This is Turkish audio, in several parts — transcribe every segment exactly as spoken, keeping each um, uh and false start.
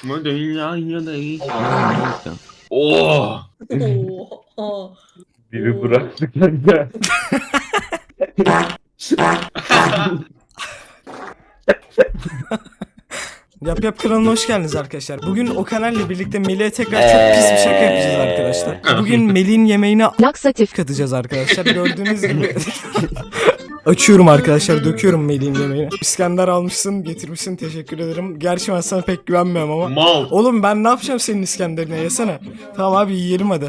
Oh. Oha. Biri bıraktı kanka. Yap Yap kanalına hoş geldiniz arkadaşlar. Bugün o kanalla birlikte Melih'e tekrar çok pis bir şaka yapacağız arkadaşlar. Bugün Melih'in yemeğine laksatif katacağız arkadaşlar. Gördüğünüz gibi. Açıyorum arkadaşlar, döküyorum Melih'in yemeğine. İskender almışsın, getirmişsin, teşekkür ederim. Gerçi ben sana pek güvenmiyorum ama. Mal. Oğlum ben ne yapacağım senin İskender'ine, yesene. Tamam abi, yiyelim hadi.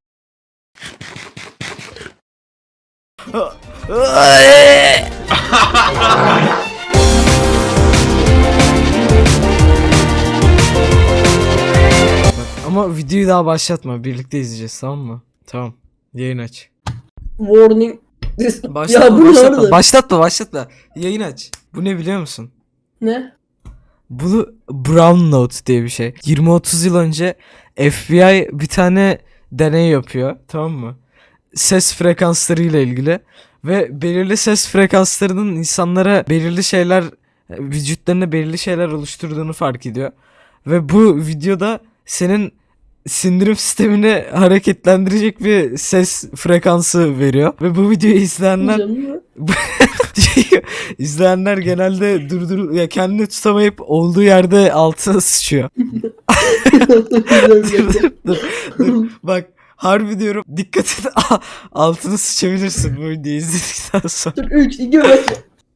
Ama videoyu daha başlatma. Birlikte izleyeceğiz, tamam mı? Tamam. Yayın aç. Warning. Başlatma, Ya bu ne başlatma, arada? başlatma, başlatma. Yayın aç. Bu ne biliyor musun? Ne? Bu Brown Note diye bir şey. yirmi otuz yıl önce F B I bir tane deney yapıyor, tamam mı? Ses frekansları ile ilgili ve belirli ses frekanslarının insanlara belirli şeyler, vücutlarına belirli şeyler oluşturduğunu fark ediyor. Ve bu videoda senin sindirim sistemini hareketlendirecek bir ses frekansı veriyor. Ve bu videoyu izleyenler Canım mı? izleyenler genelde durdur ya kendini tutamayıp olduğu yerde altına sıçıyor. dur, dur, dur, dur. Bak harbi diyorum, dikkat et, altına sıçabilirsin bu videoyu izledikten sonra. Dur üç, iki, bir.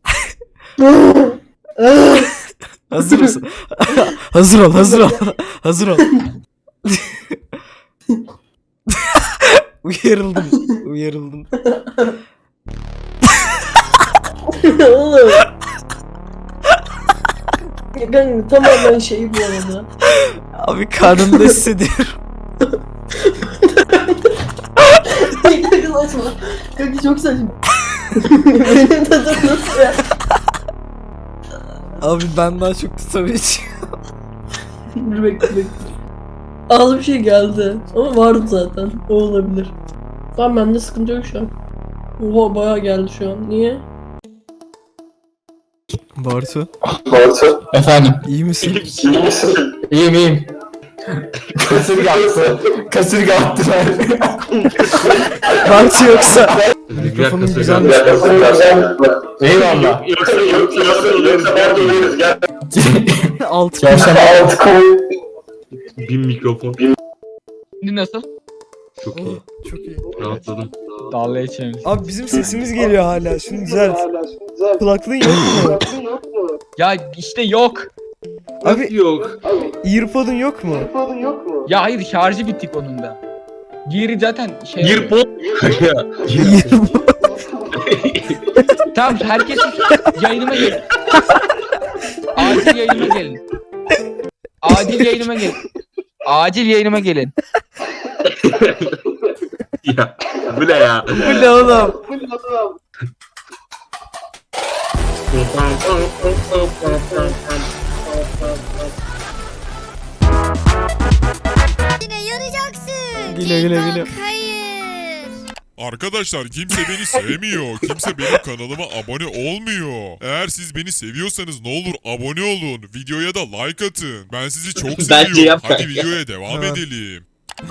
Hazır mısın? hazır ol, hazır ol. hazır ol. uyarıldım, uyarıldım. Oğlum. Ya kanka tamamen şey bu arada. Abi karnımda hissediyorum. Kanka saçma. Kanka çok saçma. Benim tadım nasıl ya? Abi ben daha çok tutamayacağım. Dur bekle bekle. Az bir şey geldi. Ama vardı zaten. O olabilir. Tamam bende sıkıntı yok şu an. Oha bayağı geldi şu an. Niye? Bartu, Bartu. Efendim. iyi misin? İyi misin? İyiyim iyiyim. Kasırga attı. Kasırga attılar. Bartu yoksa mikrofonun güzelmiş. Eyvallah. Yoksa yoksa yoksa nerede oluyoruz gel. Altı Çarşamba altı koy. Bin mikrofon. Şimdi nasıl? Çok iyi. Çok iyi. Rahatladım. Darla içelim. Abi bizim sesimiz geliyor hala. Şunu düzelt. Kulaklığın yok mu? Ya işte yok. Abi Yok. earpod'un yok mu? Ya hayır, şarjı bittik onun da. Diğeri zaten şey... Bir pot. Tamam, herkes yayınıma gelin. Acil yayınıma gelin. Acil yayınıma gelin. Acil yayınıma gelin. Ya bu ne ya? Bu ne oğlum? Yine yanacaksın. Güle güle güle. Hayır. Arkadaşlar kimse beni sevmiyor. Kimse benim kanalıma abone olmuyor. Eğer siz beni seviyorsanız ne olur abone olun. Videoya da like atın. Ben sizi çok Bence seviyorum. yap Hadi kanka. videoya devam Evet. edelim.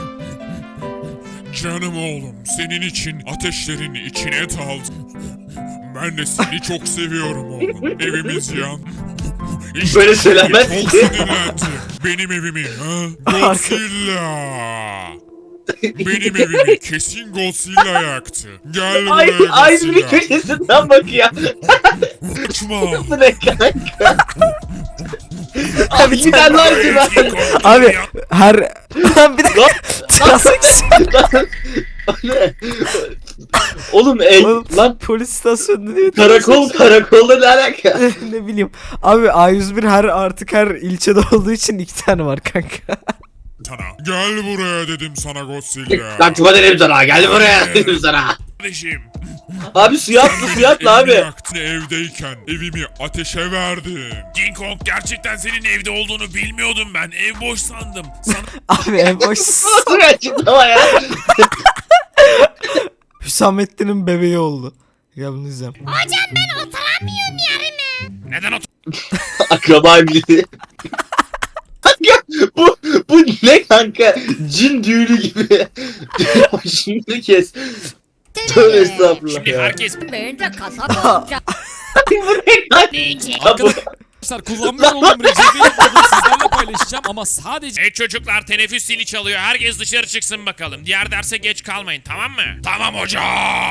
Canım oğlum, senin için ateşlerin içine daldım. Ben de seni çok seviyorum oğlum. Evimiz yan. İşte Böyle şimdi söylenmez çok ki. sinirlendim. Benim evimi ha? Godzilla. Benim evimi kesin Godzilla yaktı. Gel buraya Aynı, aynı bir Godzilla. köşesinden bak ya. Kaçma. Bu ne kanka? Abi bir tane daha acı Abi her bir dakika. Ne? Oğlum ey Oğlum, lan polis istasyonunda diyor. karakol karakolda ne alaka? ne bileyim. Abi A yüz bir her artık her ilçede olduğu için iki tane var kanka. Sana. Gel buraya dedim sana Godzilla. Lan tuba dedim sana gel buraya dedim sana. Kardeşim. Abi suya atla Sen suya atla benim abi. evimi yaktın, evdeyken evimi ateşe verdin. King Kong, gerçekten senin evde olduğunu bilmiyordum ben. Ev boş sandım. Sana Abi en boş Nasıl bir açıklama ya? Hüsamettin'in bebeği oldu. Ya bunu izleyeyim. Hocam ben oturamıyorum yerime. neden o Akraba evliliği. Kanka cin düğünü gibi. Şimdi kes. Tövbe estağfurullah Şimdi ya. herkes ben de kasaba olacağım. Arkadaşlar kullanmış olduğum Recep'in kodunu sizlerle paylaşacağım ama sadece... Hey çocuklar teneffüs zili çalıyor. Herkes dışarı çıksın bakalım. Diğer derse geç kalmayın tamam mı? Tamam hocam.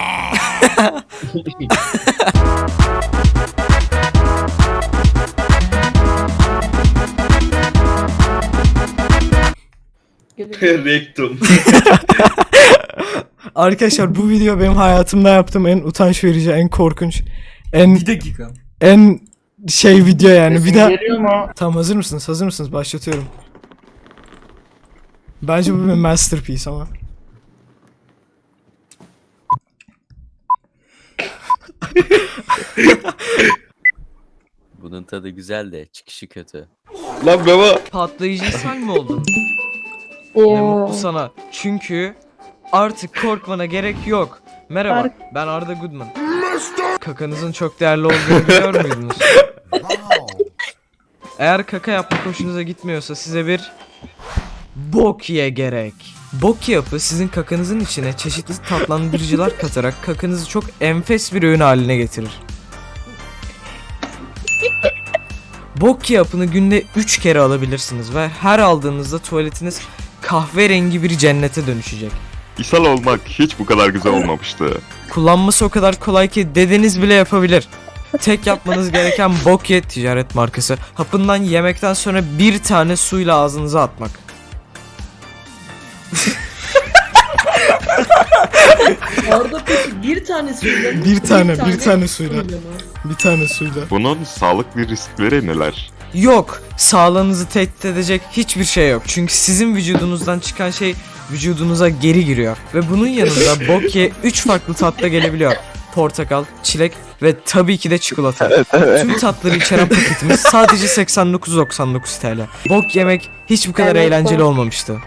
Rektum. Arkadaşlar bu video benim hayatımda yaptığım en utanç verici, en korkunç, en Bir dakika. en şey video yani. Bir daha Geliyor mu? tamam, hazır mısınız? Hazır mısınız? Başlatıyorum. Bence bu bir masterpiece ama. Bunun tadı güzel de çıkışı kötü. Lan baba. Patlayıcı sen mi oldun? Ne mutlu sana. Çünkü artık korkmana gerek yok. Merhaba, ben Arda Goodman. Kakanızın çok değerli olduğunu biliyor muydunuz? Eğer kaka yapmak hoşunuza gitmiyorsa size bir bok ye gerek. Bok yapı sizin kakanızın içine çeşitli tatlandırıcılar katarak kakanızı çok enfes bir öğün haline getirir. Bok yapını günde üç kere alabilirsiniz ve her aldığınızda tuvaletiniz kahverengi bir cennete dönüşecek. İshal olmak hiç bu kadar güzel olmamıştı. Kullanması o kadar kolay ki dedeniz bile yapabilir. Tek yapmanız gereken Bokye ticaret markası. Hapından yemekten sonra bir tane suyla ağzınıza atmak. Arda peki bir tane suyla mı? Bir tane, bir tane suyla. mı? Bir tane suyla. Bunun sağlıklı riskleri neler? Yok, sağlığınızı tehdit edecek hiçbir şey yok. Çünkü sizin vücudunuzdan çıkan şey vücudunuza geri giriyor. Ve bunun yanında Bokye üç farklı tatta gelebiliyor. Portakal, çilek ve tabii ki de çikolata. Tüm tatları içeren paketimiz sadece seksen dokuz doksan dokuz T L. Bok yemek hiç bu kadar Evet, eğlenceli bok. olmamıştı.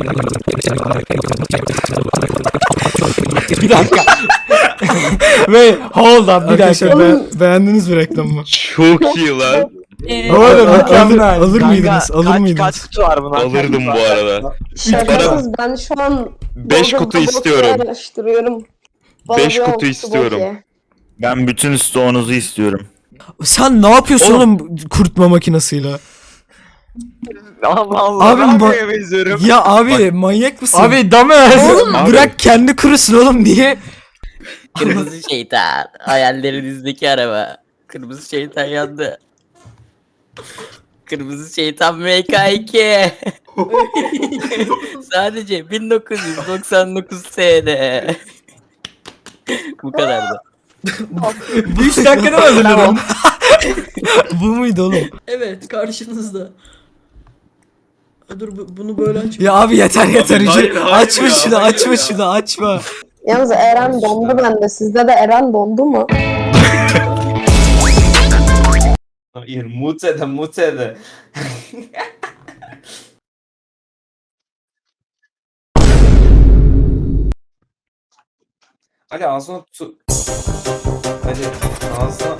Bir dakika. Ve hold up bir dakika. Be beğendiniz mi reklamı? Çok iyi lan. Oğlum mükemmel. Alır, alır mıydınız? Alır mıydınız? kutu var buna? Alırdım bu arada. Şakasız ben şu an beş kutu Bozuldu istiyorum. Bokya araştırıyorum. Bana beş bir kutu olsun istiyorum. Bokya. Ben bütün stoğunuzu istiyorum. Sen ne yapıyorsun oğlum, kurutma makinesiyle? Allah Allah. Abi ne bu- yapmaya benziyorum? Ya abi manyak mısın? Abi damaz. oğlum bırak kendi kurusun oğlum, niye? Kırmızı şeytan. Hayallerinizdeki araba. Kırmızı şeytan yandı. Kırmızı şeytan M K iki. Sadece bin dokuz yüz doksan dokuz T L. Bu kadardı. üç dakikada mı hazırladın? Bu muydu oğlum? Evet karşınızda. Ha, dur bu- bunu böyle aç. Ya abi yeter yeter. Abi, Ücret- hayır, hayır açma ya, şunu, hayır açma ya. şunu, açma. Yalnız Eren dondu bende. Sizde de Eren dondu mu? Hayır mutede mutede. Hadi ağzına tu... Hadi ağzına...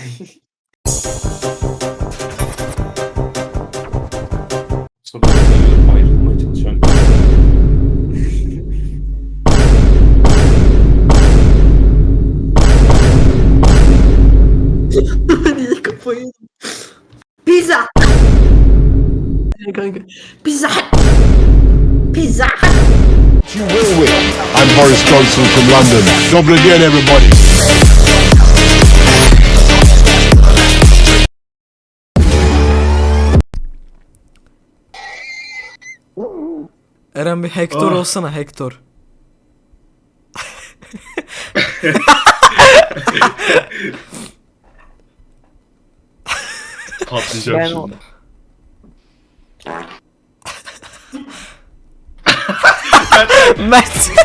Sonra ayrılmaya çalışıyorum. Hadi kafayı. Pizza. Kanka. Pizza. Pizza. I'm Boris Johnson from London. Double again everybody. Eren bir Hector Ah. olsana, Hector. Patlayacağım Ben şimdi. Mert.